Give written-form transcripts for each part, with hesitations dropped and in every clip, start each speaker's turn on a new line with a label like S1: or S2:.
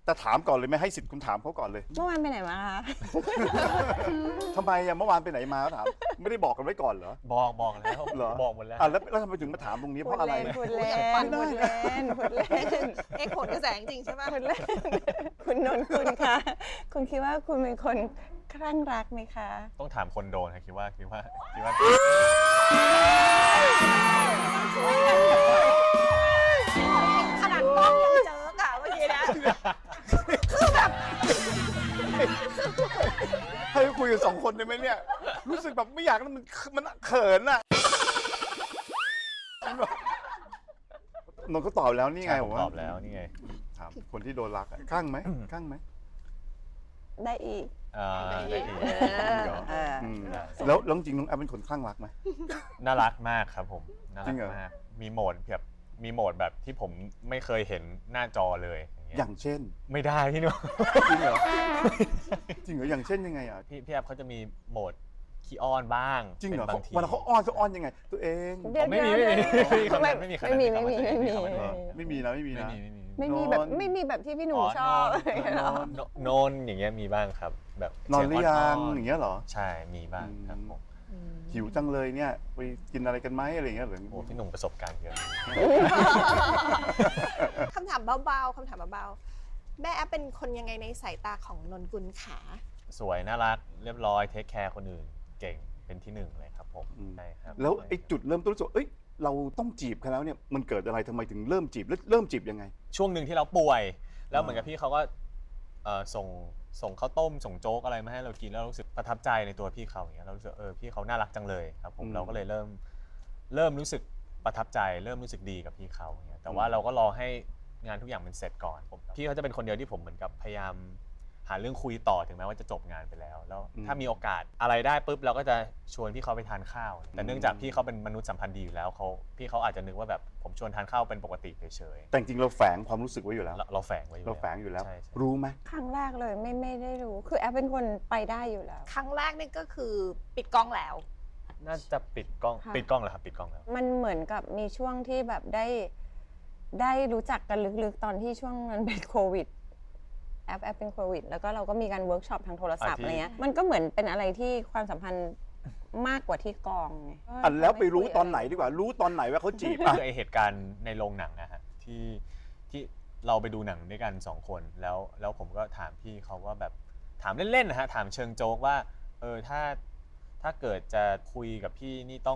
S1: จะถามก่อนเลยไหมให้สิทธิ์คุณถามเขาก่อนเลย
S2: เมื่อวานไปไหนมาคะ
S1: ทำไมอะเมื่อวานไปไหนมาถามไม่ได้บอกกันไว้ก่อนเหรอ
S3: บอกแล้ว
S1: เหรอ
S3: บอกหมดแล้ว
S1: แล้วทำไมถึงมาถามตรงนี้เพราะอะไร
S2: พูดเล่น
S1: ไม่ได้
S2: พูด
S1: นะ
S2: เล่นพูดเล่น
S4: เอ็กผลกระแสจริงๆใช่ไหม
S2: พูดเล่นคุณนนท์คุณคะคุณคิดว่าคุณเป็นคนคลั่งรักไหมคะ
S3: ต้องถามคนโดนครับคิดว่า
S4: ขนาดกล้องยังเจอกะเมื่อกี้นะ
S1: ให้คุยกัน2 คนได้ไหมเนี่ยรู้สึกแบบไม่อยากแล้วมันเขินอะนนท์ก็ตอบแล้วนี่ไง
S3: ผม
S1: ว่า
S3: ตอบแล้วนี่ไง
S1: ถามคนที่โดนรักอะข้างไหมข้างไหม
S2: ได้อีก
S3: ได้อีก
S1: อืมแล้วจริงๆน้องแอปเป็นคนคลั่งรักไหม
S3: น่ารักมากครับผมน่า
S1: จริ
S3: รั
S1: ง
S3: ก
S1: เหรอ
S3: มากมีโหมดแบบที่ผมไม่เคยเห็นหน้าจอเลยอย่างเงี้ย
S1: อย่างเช่น
S3: ไม่ได้พี่หนุ่ม
S1: จริงเหรอจริงเหรออย่างเช่นยังไงอ่ะ
S3: พี่แอฟเขาจะมีโหมดขี้อ้อนบ้าง
S1: จริงเหรอ
S3: ป็นบางที
S1: เวลาเขาอ้อนยังไง ตัวเอง
S2: เดี๋ยว
S3: ไม่มี
S2: ไม่มีไม่มีไม่มี
S1: ไม่มีนะไม่มีนะ
S2: ไม่มีแบบไม่มีแบบที่พี่หนูชอบเหรอ
S3: โนนอย่างเงี้ยมีบ้างครับ แบบ
S1: นอนหรือยัง
S3: เสี
S1: อย่างเงี้ยเหรอ
S3: ใช่มีบ้างครับผม
S1: หิวจังเลยเนี่ยไปกินอะไรกันไหมอะไรอย่างเงี้ยหรือ
S3: โอ้พี่หนุ่มประสบการณ์เยอะ
S4: คำถามเบาๆคำถามเบาๆแม่แอปเป็นคนยังไงในสายตาของนนกุลขา
S3: สวยน่ารักเรียบร้อยเทคแคร์คนอื่นเก่งเป็นที่หนึ่งเลยครับผมใช่ครับ
S1: แล้วไอ้จุดเริ่มต้นรู้สึกเอ้ยเราต้องจีบเขาแล้วเนี่ยมันเกิดอะไรทำไมถึงเริ่มจีบแล้วเริ่มจีบยังไง
S3: ช่วงหนึ่งที่เราป่วย แล้วเหมือนกับพี่เขาก็ส่งข้าวต้มส่งโจ๊กอะไรมาให้เรากินแล้วรู้สึกประทับใจในตัวพี่เขาอย่างเงี้ยเรารู้สึกพี่เขาน่ารักจังเลยครับผมเราก็เลยเริ่มรู้สึกประทับใจเริ่มรู้สึกดีกับพี่เขาอย่างเงี้ยแต่ว่าเราก็รอให้งานทุกอย่างมันเสร็จก่อนพี่เขาจะเป็นคนเดียวที่ผมเหมือนกับพยายามหาเรื่องคุยต่อถึงแม้ว่าจะจบงานไปแล้วถ้ามีโอกาสอะไรได้ปุ๊บเราก็จะชวนพี่เขาไปทานข้าวแต่เนื่องจากพี่เขาเป็นมนุษย์สัมพันธ์ดีอยู่แล้วพี่เขาอาจจะนึกว่าแบบผมชวนทานข้าวเป็นปกติเฉย
S1: แต่จริงเราแฝงความรู้สึกไว้อยู่แล้ว
S3: เราแฝงไว้อยู่
S1: เราแฝงอยู่แล้ว
S3: ใช่
S1: รู้ไหม
S2: ครั้งแรกเลยไม่ได้รู้คือแอปเป็นคนไปได้อยู่แล้ว
S4: ครั้งแรกนี่ก็คือปิดกล้องแล้ว
S3: น่าจะปิดกล้อง
S2: ค่ะ
S3: ปิดกล้องแล้วครับปิดกล้องแล้ว
S2: มันเหมือนกับมีช่วงที่แบบได้รู้จักกันลึกๆตอนที่ช่วงนั้นเป็นโควิดแอปเป็นโควิดแล้วก็เราก็มีการเวิร์กช็อปทางโทรศัพท์อะไรเงี้ยมันก็เหมือนเป็นอะไรที่ความสัมพันธ์มากกว่าที่กองไง
S1: แล้วไปรู้ตอนไหนดีกว่า รู้ตอนไหนว่าเขาจีบ
S3: คือไอเหตุการณ์ในโรงหนังนะฮะที่เราไปดูหนังด้วยกัน2 คนแล้วผมก็ถามพี่เขาว่าแบบถามเล่นๆนะฮะถามเชิงโจ๊กว่าถ้าเกิดจะคุยกับพี่นี่ต้อง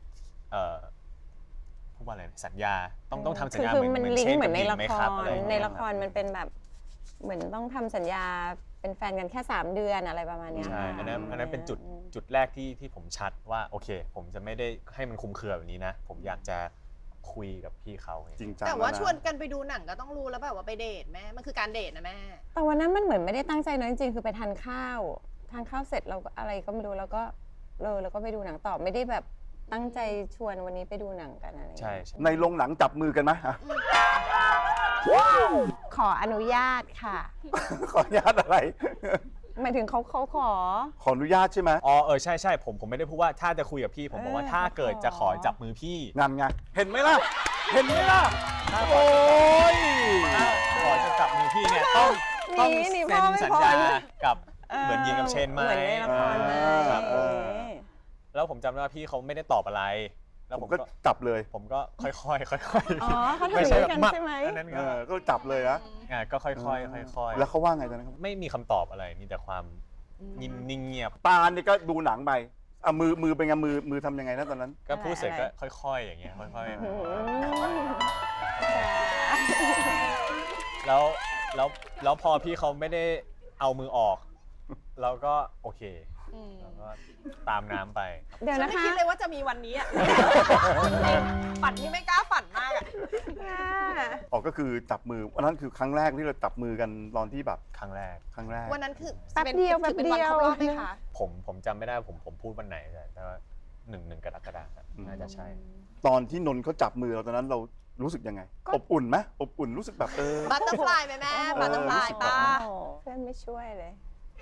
S3: พูดว่าอะไรสัญญาต้องทำสัญญา
S2: คือมันลิงก์เหมือนในละ
S3: ไหม
S2: ค
S3: ครับ
S2: ร
S3: อะไรอย่าง
S2: ใน
S3: เงี้ย
S2: ละครมันเป็นแบบเหมือนต้องทำสัญญาเป็นแฟนกันแค่3 เดือนอะไรประมาณเนี้ย
S3: ใช่อันนั้นเป็นจุดแรกที่ผมชัดว่าโอเค ผมจะไม่ได้ให้มันคลุมเครือแบบนี้นะผมอยากจะคุยกับพี่เขา
S1: จริงจัง
S4: แต่ว่า
S1: ล้ะ
S4: ชวนกันไปดูหนังก็ต้องรู้แล้วแบบว่าไปเดทแม่มันคือการเดทนะแม่
S2: แต่วันนั้นมันเหมือนไม่ได้ตั้งใจนะจริงๆคือไปทานข้าวเสร็จเราก็อะไรก็ไม่รู้แล้วก็แล้วก็ไปดูหนังต่อไม่ได้แบบตั้งใจชวนวันนี้ไปดูหนังกันอะไรอย่าง
S3: ใช่
S2: เงี้ย
S3: ใช่
S1: ในโรงหนังจับมือกันไหมอ่ะ
S2: ขออนุญาตค่ะ
S1: ขออนุญาตอะไร
S2: หมายถึงเขาขอ
S1: ขออนุญาตใช่ไหม
S3: อ๋อใช่ผมไม่ได้พูดว่าถ้าจะคุยกับพี่ผมบอกว่าถ้าเกิดจะขอจับมือพี่
S1: งานไงเห็นไหมล่ะ เห็นไหมล่ะ โอ้ย
S3: ขอจะจับมือพี่เนี่ยต้อง
S2: นี่
S3: เซ็น
S2: พ่อไม่
S3: สัญ
S2: พอ
S3: ญา
S2: นะ
S3: กับเหมือนยิงกับเชนไหม
S2: เหมือนในละครไหม
S3: ครับ
S2: เออ
S3: แล้วผมจำได้ว่าพี่เขาไม่ได้ตอบอะไร แล้ว
S1: ผ
S3: ผม ม
S1: ก็
S3: ก็
S1: จับเลย
S3: ผมก็ค่อยๆค่อย
S2: อ๋อเขา
S3: ๆ
S2: ทำอย่างนี้กัน
S3: แบบ
S2: ใช่ไหม
S3: อันนั้น
S1: ก็จับเลยนะ
S3: ก็ค่อยๆค่อยๆ
S1: แล้วเขาว่าไงตอนนั้นครับ
S3: ไม่มีคำตอบอะไรมีแต่ความนิ่งเงียบ
S1: ตาเนี่ยก็ดูหนังไปอ่ะมือเป็นไงมือทำยังไงนะตอนนั้น
S3: ก็พูดเสร็จก็ค่อยๆอย่างเงี้ยค่อยๆแล้วพอพี่เขาไม่ได้เอามือออกเราก็โอเคแล้วก็ตามน้ำไป
S2: เดี๋ยว
S4: ฉัน
S2: นะ
S4: ไม่
S2: คะ
S4: คิดเลยว่าจะมีวันนี้อ่ะ ฝันที่ไม่กล้าฝันมากอ่ะ
S1: ออกก็คือจับมือวันนั้นคือครั้งแรกที่เราจับมือกันตอนที่แบบ
S3: ครั้งแรก
S4: วันนั้นคือ
S2: แป๊บเดียว
S4: ถือเป็นวันครบรอบไหมคะ
S3: ผมจำไม่ได้ผมพูดวันไหนแต่ว่า1 กรกฎาคมน่าจะใช่
S1: ตอนที่นนท์เขาจับมือเราตอนนั้นเรารู้สึกยังไง อบอุ่นไหมอบอุ่นรู้สึกแบบ
S4: บัตเตอร์ฟลายไหมแม่ บัตเตอร์ฟลายป้า
S2: โอ้โหเพื่อนไม่ช่วยเลย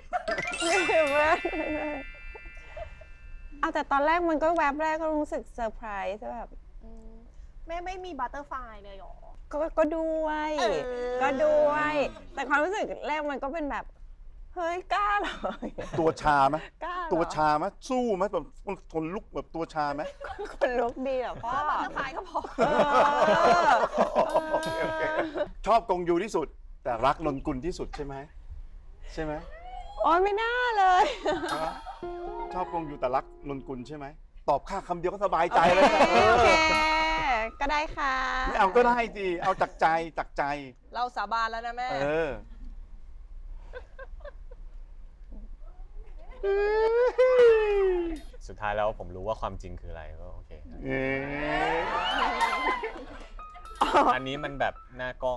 S2: เอาแต่ตอนแรกมันก็แวบแรกก็รู้สึกเซอร์ไพรส์แบบ
S4: แม่ไม่มีบัตเตอร์ฟลายเลยหรอ
S2: ก็ด้วย
S4: เออ
S2: ก็ด้วย แต่ความรู้สึกแรกมันก็เป็นแบบ เฮ้ยกล้าเหรอ
S1: ตัวชาไหม
S2: กล้าเหรอ
S1: ตัวชาไหมสู้ไหมแบบทนลุกแบบตัวชาไหม
S2: คนลุกดีเหรอพ่อ
S4: บัตเตอร์ฟลายก็พอ
S2: เออ
S1: โอเคโอเคชอบกงยูที่สุด แต่รักนนกุลที่สุดใช่ไหมใช่ไหม
S2: โอ้ยไม่น่าเลย
S1: ชอบกงยูแต่รักนนกุลใช่ไหมตอบค่าคำเดียวก็สบายใจเลยนะ
S2: โอเค ก็ได้ค่ะ
S1: ไม่เอาก็ได้สิเอาจากใจจากใจ
S4: เราสาบานแล้วนะแม่
S1: เออ
S3: สุดท้ายแล้วผมรู้ว่าความจริงคืออะไรก็โอเค
S1: เอ๊ะ
S3: อันนี้มันแบบหน้ากล้อง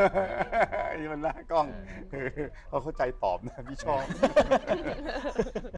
S1: นี่มันหน้ากล้องเขาเข้าใจตอบนะพี่ชอบ